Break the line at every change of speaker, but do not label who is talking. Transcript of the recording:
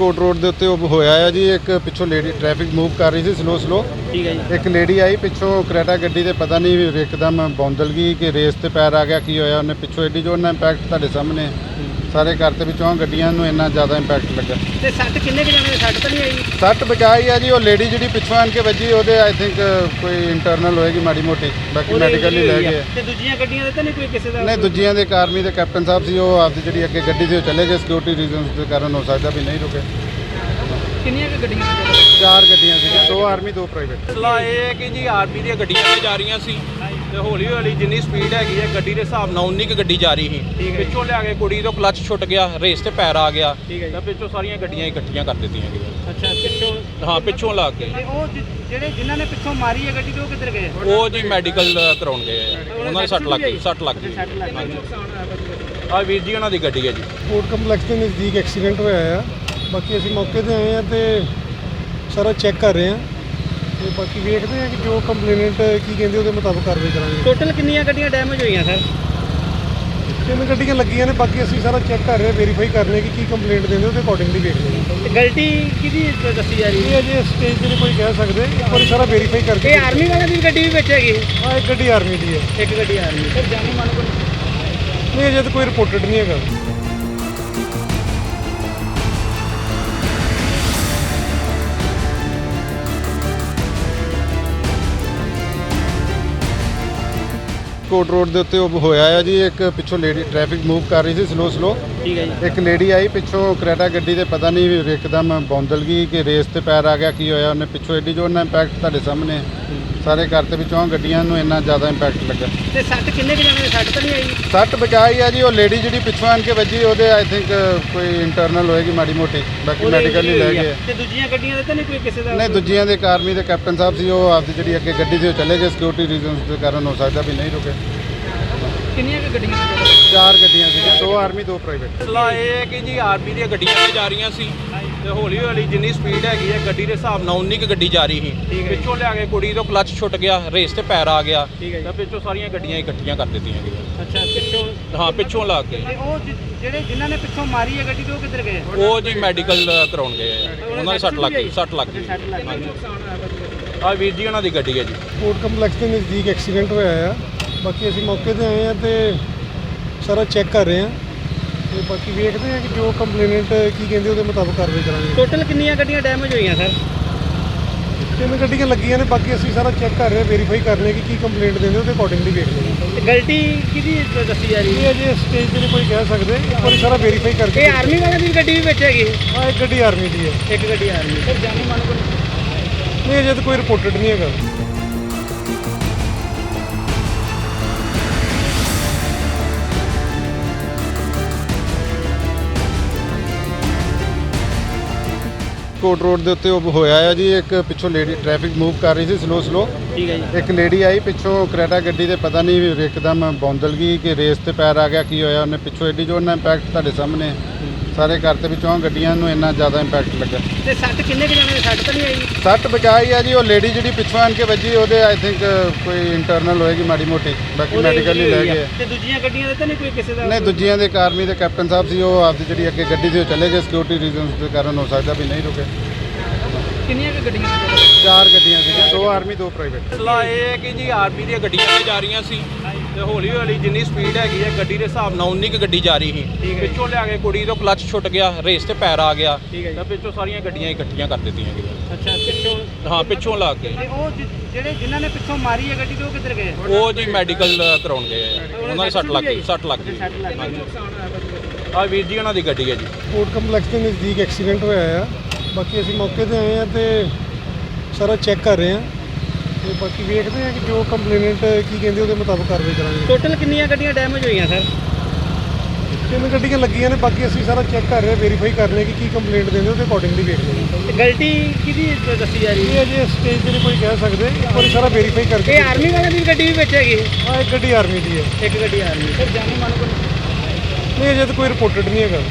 ਕੋਟ road ਦੇ ਉੱਤੇ ਉਹ ਹੋਇਆ ਆ ਜੀ। ਇੱਕ ਪਿੱਛੋਂ ਲੇਡੀ ਟ੍ਰੈਫਿਕ ਮੂਵ ਕਰ ਰਹੀ ਸੀ ਸਲੋ।
ਠੀਕ ਹੈ ਜੀ।
ਇੱਕ ਲੇਡੀ ਆਈ ਪਿੱਛੋਂ ਕਰੇਟਾ ਗੱਡੀ ਤੇ ਪਤਾ ਨਹੀਂ ਇੱਕਦਮ ਬੌਂਦਲ ਗਈ ਕਿ ਰੇਸ ਤੇ ਪੈਰ ਆ ਗਿਆ ਕੀ ਹੋਇਆ। ਉਹਨੇ ਪਿੱਛੋਂ ਐਡੀ ਜੋਰ ਨਾਲ ਇੰਪੈਕਟ ਤੁਹਾਡੇ ਸਾਹਮਣੇ ਸਾਰੇ ਘਰ ਤੇ ਵਿੱਚੋਂ ਗੱਡੀਆਂ ਨੂੰ ਇੰਨਾ ਜ਼ਿਆਦਾ ਇੰਪੈਕਟ ਲੱਗਾ।
ਤੇ ਸੱਟ ਕਿੰਨੇ ਕੁ ਜਣੇ ਦੇ ਸੱਟ ਤਾਂ ਨਹੀਂ ਆਈ?
ਸੱਟ ਬਚਾਈ ਆ ਜੀ। ਉਹ ਲੇਡੀ ਜਿਹੜੀ ਪਿੱਛੋਂ ਆਣ ਕੇ ਵੱਜੀ ਉਹਦੇ ਆਈ ਥਿੰਕ ਕੋਈ ਇੰਟਰਨਲ ਹੋਏਗੀ ਮਾੜੀ ਮੋਟੀ, ਬਾਕੀ ਮੈਡੀਕਲ ਹੀ ਲੈ ਗਏ।
ਤੇ ਦੂਜੀਆਂ ਗੱਡੀਆਂ ਦੇ ਤਾਂ ਨਹੀਂ ਕੋਈ ਕਿਸੇ ਦਾ?
ਨਹੀਂ, ਦੂਜੀਆਂ ਦੇ ਆਰਮੀ ਦੇ ਕੈਪਟਨ ਸਾਹਿਬ ਸੀ, ਉਹ ਆਪਦੀ ਜਿਹੜੀ ਅੱਗੇ ਗੱਡੀ ਸੀ ਉਹ ਚਲੇ ਗਏ। ਸਿਕਿਉਰਿਟੀ ਰੀਜ਼ਨਸ ਦੇ ਕਾਰਨ ਹੋ ਸਕਦਾ ਵੀ ਨਹੀਂ ਰੁਕੇ।
ਕਿੰਨੀਆਂ ਕੁ ਗੱਡੀਆਂ?
4 ਗੱਡੀਆਂ ਸੀਗੀਆਂ, 2 ਆਰਮੀ 2 ਪ੍ਰਾਈਵੇਟ।
ਮਸਲਾ ਇਹ ਹੈ ਕਿ ਜੀ ਆਰਮੀ ਦੀਆਂ ਗੱਡੀਆਂ ਤੇ ਜਾ ਰਹੀਆਂ ਸੀ ਤੇ ਹੌਲੀ ਹੌਲੀ ਜਿੰਨੀ ਸਪੀਡ ਹੈਗੀ ਹੈ ਗੱਡੀ ਦੇ ਹਿਸਾਬ ਨਾਲ ਉਨੀ ਕੁ ਗੱਡੀ ਜਾ ਰਹੀ ਸੀ। ਪਿੱਛੋਂ ਲਿਆ ਕੇ ਕੁੜੀ ਤੋਂ ਕਲੱਚ ਛੁੱਟ ਗਿਆ, ਰੇਸ ਤੇ ਪੈਰ ਆ ਗਿਆ ਤਾਂ ਪਿੱਛੋਂ ਸਾਰੀਆਂ ਗੱਡੀਆਂ ਇਕੱਠੀਆਂ ਕਰ ਦਿੱਤੀਆਂ ਗਈਆਂ।
ਅੱਛਾ, ਪਿੱਛੋਂ?
ਹਾਂ, ਪਿੱਛੋਂ ਲਾ ਕੇ।
ਤੇ ਉਹ ਜਿਹੜੇ ਜਿਨ੍ਹਾਂ ਨੇ ਪਿੱਛੋਂ ਮਾਰੀ ਹੈ ਗੱਡੀ ਤੇ ਉਹ ਕਿੱਧਰ ਗਏ?
ਉਹ ਜੀ ਮੈਡੀਕਲ ਕਰਾਉਣ ਗਏ ਆ। ਉਹਨਾਂ ਦੀ ਸੱਟ ਲੱਗ ਗਈ।
ਸੱਟ ਲੱਗ ਗਈ।
ਆ ਵੀਰ ਜੀ ਉਹਨਾਂ ਦੀ ਗੱਡੀ ਹੈ ਜੀ।
ਕੋਰਟ ਕੰਪਲੈਕਸ ਦੇ ਨਜ਼ਦੀਕ ਐਕਸੀਡੈਂਟ ਹੋਇਆ ਆ। ਬਾਕੀ ਅਸੀਂ ਮੌਕੇ ਤੇ ਆਏ ਆ ਤੇ ਸਾਰਾ ਚੈੱਕ ਕਰ ਰਹੇ ਆ ਤੇ ਬਾਕੀ ਵੇਖਦੇ ਆ ਕਿ ਜੋ ਕੰਪਲੇਨੈਂਟ ਕੀ ਕਹਿੰਦੇ ਉਹਦੇ ਮੁਤਾਬਕ ਕਾਰਵਾਈ ਕਰਾਂਗੇ।
ਟੋਟਲ ਕਿੰਨੀਆਂ ਗੱਡੀਆਂ ਡੈਮੇਜ ਹੋਈਆਂ ਸਰ?
3 ਗੱਡੀਆਂ ਲੱਗੀਆਂ ਨੇ। ਬਾਕੀ ਅਸੀਂ ਸਾਰਾ ਚੈੱਕ ਕਰ ਰਹੇ ਆ, ਵੈਰੀਫਾਈ ਕਰ ਰਹੇ ਆ ਕਿ ਕੀ ਕੰਪਲੇਂਟ ਦਿੰਦੇ ਉਹਦੇ ਅਕੋਰਡਿੰਗਲੀ ਵੇਖਦੇ ਆ।
ਤੇ ਗਲਤੀ ਕਿਹਦੀ ਦੱਸੀ ਜਾ ਰਹੀ
ਇਹ
ਹੈ?
ਅਜੇ ਸਟੇਜ ਤੇ ਨਹੀਂ ਕੋਈ ਕਹਿ ਸਕਦੇ, ਇੱਕ ਵਾਰੀ ਸਾਰਾ ਵੈਰੀਫਾਈ ਕਰਕੇ।
ਇਹ ਆਰਮੀ ਵਾਲਿਆਂ ਦੀ ਗੱਡੀ ਵੀ ਵਿੱਚ ਹੈਗੀ?
ਹਾਂ, ਇੱਕ ਗੱਡੀ ਆਰਮੀ ਦੀ ਹੈ।
ਇੱਕ ਗੱਡੀ ਆਰਮੀ। ਸਰ ਜਾਨੀ ਮਾਨੋ
ਨਹੀਂ, ਅਜੇ ਤਾਂ ਕੋਈ ਰਿਪੋਰਟਡ ਨਹੀਂ ਹੈਗਾ।
ਕੋਟ ਰੋਡ ਦੇ ਉੱਤੇ ਉਹ ਹੋਇਆ ਆ ਜੀ। ਇੱਕ ਪਿੱਛੋਂ ਲੇਡੀ ਟ੍ਰੈਫਿਕ ਮੂਵ ਕਰ ਰਹੀ ਸੀ ਸਲੋ।
ਠੀਕ ਹੈ ਜੀ।
ਇੱਕ ਲੇਡੀ ਆਈ ਪਿੱਛੋਂ ਕਰੇਟਾ ਗੱਡੀ ਤੇ ਪਤਾ ਨਹੀਂ ਇੱਕਦਮ ਬੌਂਦਲ ਗਈ ਕਿ ਰੇਸ ਤੇ ਪੈਰ ਆ ਗਿਆ ਕੀ ਹੋਇਆ। ਉਹਨੇ ਪਿੱਛੋਂ ਐਡੀ ਜੋਰ ਨਾਲ ਇੰਪੈਕਟ ਤੁਹਾਡੇ ਸਾਹਮਣੇ ਸਾਰੇ ਘਰ ਤੇ ਵਿੱਚੋਂ ਗੱਡੀਆਂ ਨੂੰ ਇੰਨਾ ਜ਼ਿਆਦਾ ਇੰਪੈਕਟ ਲੱਗਾ।
ਤੇ ਸੱਟ ਕਿੰਨੇ ਕੁ ਜਣੇ ਦੇ ਸੱਟ ਤਾਂ ਨਹੀਂ ਆਈ?
ਸੱਟ ਬਚਾਈ ਆ ਜੀ। ਉਹ ਲੇਡੀ ਜਿਹੜੀ ਪਿੱਛੋਂ ਆਣ ਕੇ ਵੱਜੀ ਉਹਦੇ ਆਈ ਥਿੰਕ ਕੋਈ ਇੰਟਰਨਲ ਹੋਏਗੀ ਮਾੜੀ ਮੋਟੀ, ਬਾਕੀ ਮੈਡੀਕਲ ਹੀ ਲੈ ਗਏ।
ਤੇ ਦੂਜੀਆਂ ਗੱਡੀਆਂ ਦੇ ਤਾਂ ਨਹੀਂ ਕੋਈ ਕਿਸੇ ਦਾ?
ਨਹੀਂ, ਦੂਜੀਆਂ ਦੇ ਆਰਮੀ ਦੇ ਕੈਪਟਨ ਸਾਹਿਬ ਸੀ, ਉਹ ਆਪਦੀ ਜਿਹੜੀ ਅੱਗੇ ਗੱਡੀ ਸੀ ਉਹ ਚਲੇ ਗਏ। ਸਿਕਿਉਰਿਟੀ ਰੀਜ਼ਨਸ ਦੇ ਕਾਰਨ ਹੋ ਸਕਦਾ ਵੀ ਨਹੀਂ ਰੁਕੇ।
ਕਿੰਨੀਆਂ ਕੁ ਗੱਡੀਆਂ?
4 ਗੱਡੀਆਂ ਸੀਗੀਆਂ, 2 ਆਰਮੀ 2 ਪ੍ਰਾਈਵੇਟ।
ਮਸਲਾ ਇਹ ਹੈ ਕਿ ਜੀ ਆਰਮੀ ਦੀਆਂ ਗੱਡੀਆਂ ਤੇ ਜਾ ਰਹੀਆਂ ਸੀ ਤੇ ਹੌਲੀ ਹੌਲੀ ਜਿੰਨੀ ਸਪੀਡ ਹੈਗੀ ਹੈ ਗੱਡੀ ਦੇ ਹਿਸਾਬ ਨਾਲ ਉਨੀ ਕੁ ਗੱਡੀ ਜਾ ਰਹੀ ਸੀ। ਪਿੱਛੋਂ ਲਿਆ ਕੇ ਕੁੜੀ ਤੋਂ ਕਲੱਚ ਛੁੱਟ ਗਿਆ, ਰੇਸ ਤੇ ਪੈਰ ਆ ਗਿਆ ਤਾਂ ਪਿੱਛੋਂ ਸਾਰੀਆਂ ਗੱਡੀਆਂ ਇਕੱਠੀਆਂ ਕਰ ਦਿੱਤੀਆਂ ਗਈਆਂ।
ਅੱਛਾ, ਪਿੱਛੋਂ?
ਹਾਂ, ਪਿੱਛੋਂ ਲਾ ਕੇ।
ਤੇ ਉਹ ਜਿਹੜੇ ਜਿਨ੍ਹਾਂ ਨੇ ਪਿੱਛੋਂ ਮਾਰੀ ਹੈ ਗੱਡੀ ਤੇ ਉਹ ਕਿੱਧਰ ਗਏ?
ਉਹ ਜੀ ਮੈਡੀਕਲ ਕਰਾਉਣ ਗਏ ਆ। ਉਹਨਾਂ ਦੀ ਸੱਟ ਲੱਗ ਗਈ। ਸੱਟ ਲੱਗ ਗਈ।
ਸੱਟ ਲੱਗ ਗਈ।
ਆ ਵੀਰ ਜੀ ਉਹਨਾਂ ਦੀ ਗੱਡੀ ਹੈ ਜੀ।
ਕੋਰਟ ਕੰਪਲੈਕਸ ਦੇ ਨਜ਼ਦੀਕ ਐਕਸੀਡੈਂਟ ਹੋਇਆ ਆ। ਬਾਕੀ ਅਸੀਂ ਮੌਕੇ ਤੇ ਆਏ ਆ ਤੇ ਸਾਰਾ ਚੈੱਕ ਕਰ ਰਹੇ ਆ ਤੇ ਬਾਕੀ ਵੇਖਦੇ ਆ ਕਿ ਜੋ ਕੰਪਲੇਨੈਂਟ ਕੀ ਕਹਿੰਦੇ ਉਹਦੇ ਮੁਤਾਬਕ ਕਾਰਵਾਈ ਕਰਾਂਗੇ।
ਟੋਟਲ ਕਿੰਨੀਆਂ ਗੱਡੀਆਂ ਡੈਮੇਜ ਹੋਈਆਂ ਸਰ?
3 ਗੱਡੀਆਂ ਲੱਗੀਆਂ ਨੇ। ਬਾਕੀ ਅਸੀਂ ਸਾਰਾ ਚੈੱਕ ਕਰ ਰਹੇ ਆ, ਵੈਰੀਫਾਈ ਕਰ ਰਹੇ ਆ ਕਿ ਕੀ ਕੰਪਲੇਂਟ ਦਿੰਦੇ ਉਹਦੇ ਅਕੋਰਡਿੰਗਲੀ ਵੇਖਦੇ ਆ।
ਤੇ ਗਲਤੀ ਕਿਹਦੀ ਦੱਸੀ ਜਾ ਰਹੀ
ਇਹ
ਹੈ?
ਅਜੇ ਸਟੇਜ ਤੇ ਨਹੀਂ ਕੋਈ ਕਹਿ ਸਕਦੇ, ਇੱਕ ਵਾਰੀ ਸਾਰਾ ਵੈਰੀਫਾਈ ਕਰਕੇ।
ਇਹ ਆਰਮੀ ਵਾਲਿਆਂ ਦੀ ਗੱਡੀ ਵੀ ਵਿੱਚ ਹੈਗੀ?
ਹਾਂ, ਇੱਕ ਗੱਡੀ ਆਰਮੀ ਦੀ ਹੈ।
ਇੱਕ ਗੱਡੀ ਆਰਮੀ। ਸਰ ਜਾਨੀ ਮਾਨੋ
ਨਹੀਂ, ਅਜੇ ਤਾਂ ਕੋਈ ਰਿਪੋਰਟਡ ਨਹੀਂ ਹੈਗਾ।
ਕੋਟ ਰੋਡ ਦੇ ਉੱਤੇ ਉਹ ਹੋਇਆ ਆ ਜੀ। ਇੱਕ ਪਿੱਛੋਂ ਲੇਡੀ ਟ੍ਰੈਫਿਕ ਮੂਵ ਕਰ ਰਹੀ ਸੀ ਸਲੋ।
ਠੀਕ ਹੈ ਜੀ।
ਇੱਕ ਲੇਡੀ ਆਈ ਪਿੱਛੋਂ ਕਰੇਟਾ ਗੱਡੀ ਤੇ ਪਤਾ ਨਹੀਂ ਇੱਕਦਮ ਬੌਂਦਲ ਗਈ ਕਿ ਰੇਸ ਤੇ ਪੈਰ ਆ ਗਿਆ ਕੀ ਹੋਇਆ। ਉਹਨੇ ਪਿੱਛੋਂ ਐਡੀ ਜੋਰ ਨਾਲ ਇੰਪੈਕਟ ਤੁਹਾਡੇ ਸਾਹਮਣੇ ਸਾਰੇ ਘਰ ਤੇ ਵਿੱਚੋਂ ਗੱਡੀਆਂ ਨੂੰ ਇੰਨਾ ਜ਼ਿਆਦਾ ਇੰਪੈਕਟ ਲੱਗਾ।
ਤੇ ਸੱਟ ਕਿੰਨੇ ਕੁ ਜਣੇ ਦੇ ਸੱਟ ਤਾਂ ਨਹੀਂ ਆਈ?
ਸੱਟ ਬਚਾਈ ਆ ਜੀ। ਉਹ ਲੇਡੀ ਜਿਹੜੀ ਪਿੱਛੋਂ ਆਣ ਕੇ ਵੱਜੀ ਉਹਦੇ ਆਈ ਥਿੰਕ ਕੋਈ ਇੰਟਰਨਲ ਹੋਏਗੀ ਮਾੜੀ ਮੋਟੀ, ਬਾਕੀ ਮੈਡੀਕਲ ਹੀ ਲੈ ਗਏ।
ਤੇ ਦੂਜੀਆਂ ਗੱਡੀਆਂ ਦੇ ਤਾਂ ਨਹੀਂ ਕੋਈ ਕਿਸੇ ਦਾ?
ਨਹੀਂ, ਦੂਜੀਆਂ ਦੇ ਆਰਮੀ ਦੇ ਕੈਪਟਨ ਸਾਹਿਬ ਸੀ, ਉਹ ਆਪਦੀ ਜਿਹੜੀ ਅੱਗੇ ਗੱਡੀ ਸੀ ਉਹ ਚਲੇ ਗਏ। ਸਿਕਿਉਰਿਟੀ ਰੀਜ਼ਨਸ ਦੇ ਕਾਰਨ ਹੋ ਸਕਦਾ ਵੀ ਨਹੀਂ ਰੁਕੇ।
ਕਿੰਨੀਆਂ ਕੁ ਗੱਡੀਆਂ?
4 ਗੱਡੀਆਂ ਸੀਗੀਆਂ, 2 ਆਰਮੀ 2 ਪ੍ਰਾਈਵੇਟ।
ਮਸਲਾ ਇਹ ਹੈ ਕਿ ਜੀ ਆਰਮੀ ਦੀਆਂ ਗੱਡੀਆਂ ਤੇ ਜਾ ਰਹੀਆਂ ਸੀ ਤੇ ਹੌਲੀ ਹੌਲੀ ਜਿੰਨੀ ਸਪੀਡ ਹੈਗੀ ਹੈ ਗੱਡੀ ਦੇ ਹਿਸਾਬ ਨਾਲ ਉਨੀ ਕੁ ਗੱਡੀ ਜਾ ਰਹੀ ਸੀ। ਪਿੱਛੋਂ ਲਿਆ ਕੇ ਕੁੜੀ ਤੋਂ ਕਲੱਚ ਛੁੱਟ ਗਿਆ, ਰੇਸ ਤੇ ਪੈਰ ਆ ਗਿਆ ਤਾਂ ਪਿੱਛੋਂ ਸਾਰੀਆਂ ਗੱਡੀਆਂ ਇਕੱਠੀਆਂ ਕਰ ਦਿੱਤੀਆਂ ਗਈਆਂ।
ਅੱਛਾ, ਪਿੱਛੋਂ?
ਹਾਂ, ਪਿੱਛੋਂ ਲਾ ਕੇ।
ਤੇ ਉਹ ਜਿਹੜੇ ਜਿਨ੍ਹਾਂ ਨੇ ਪਿੱਛੋਂ ਮਾਰੀ ਹੈ ਗੱਡੀ ਤੇ ਉਹ ਕਿੱਧਰ ਗਏ?
ਉਹ ਜੀ ਮੈਡੀਕਲ ਕਰਾਉਣ ਗਏ ਆ। ਉਹਨਾਂ ਦੀ ਸੱਟ ਲੱਗ ਗਈ। ਸੱਟ ਲੱਗ ਗਈ।
ਸੱਟ ਲੱਗ ਗਈ।
ਆ ਵੀਰ ਜੀ ਉਹਨਾਂ ਦੀ ਗੱਡੀ ਹੈ ਜੀ।
ਕੋਰਟ ਕੰਪਲੈਕਸ ਦੇ ਨਜ਼ਦੀਕ ਐਕਸੀਡੈਂਟ ਹੋਇਆ ਆ। ਬਾਕੀ ਅਸੀਂ ਮੌਕੇ ਤੇ ਆਏ ਆ ਤੇ ਸਾਰਾ ਚੈੱਕ ਕਰ ਰਹੇ ਆ ਤੇ ਬਾਕੀ ਵੇਖਦੇ ਆ ਕਿ ਜੋ ਕੰਪਲੇਨੈਂਟ ਕੀ ਕਹਿੰਦੇ ਉਹਦੇ ਮੁਤਾਬਕ ਕਾਰਵਾਈ ਕਰਾਂਗੇ।
ਟੋਟਲ ਕਿੰਨੀਆਂ ਗੱਡੀਆਂ ਡੈਮੇਜ ਹੋਈਆਂ ਸਰ?
3 ਗੱਡੀਆਂ ਲੱਗੀਆਂ ਨੇ। ਬਾਕੀ ਅਸੀਂ ਸਾਰਾ ਚੈੱਕ ਕਰ ਰਹੇ ਆ, ਵੈਰੀਫਾਈ ਕਰ ਰਹੇ ਆ ਕਿ ਕੀ ਕੰਪਲੇਂਟ ਦਿੰਦੇ ਉਹਦੇ ਅਕੋਰਡਿੰਗਲੀ ਵੇਖਦੇ ਆ।
ਤੇ ਗਲਤੀ ਕਿਹਦੀ ਦੱਸੀ ਜਾ ਰਹੀ
ਇਹ
ਹੈ?
ਅਜੇ ਸਟੇਜ ਤੇ ਨਹੀਂ ਕੋਈ ਕਹਿ ਸਕਦੇ, ਇੱਕ ਵਾਰੀ ਸਾਰਾ ਵੈਰੀਫਾਈ ਕਰਕੇ।
ਇਹ ਆਰਮੀ ਵਾਲਿਆਂ ਦੀ ਗੱਡੀ ਵੀ ਵਿੱਚ ਹੈਗੀ?
ਹਾਂ, ਇੱਕ ਗੱਡੀ ਆਰਮੀ ਦੀ ਹੈ।
ਇੱਕ ਗੱਡੀ ਆਰਮੀ। ਸਰ ਜਾਨੀ ਮਾਨੋ
ਨਹੀਂ, ਅਜੇ ਤਾਂ ਕੋਈ ਰਿਪੋਰਟਡ ਨਹੀਂ ਹੈਗਾ।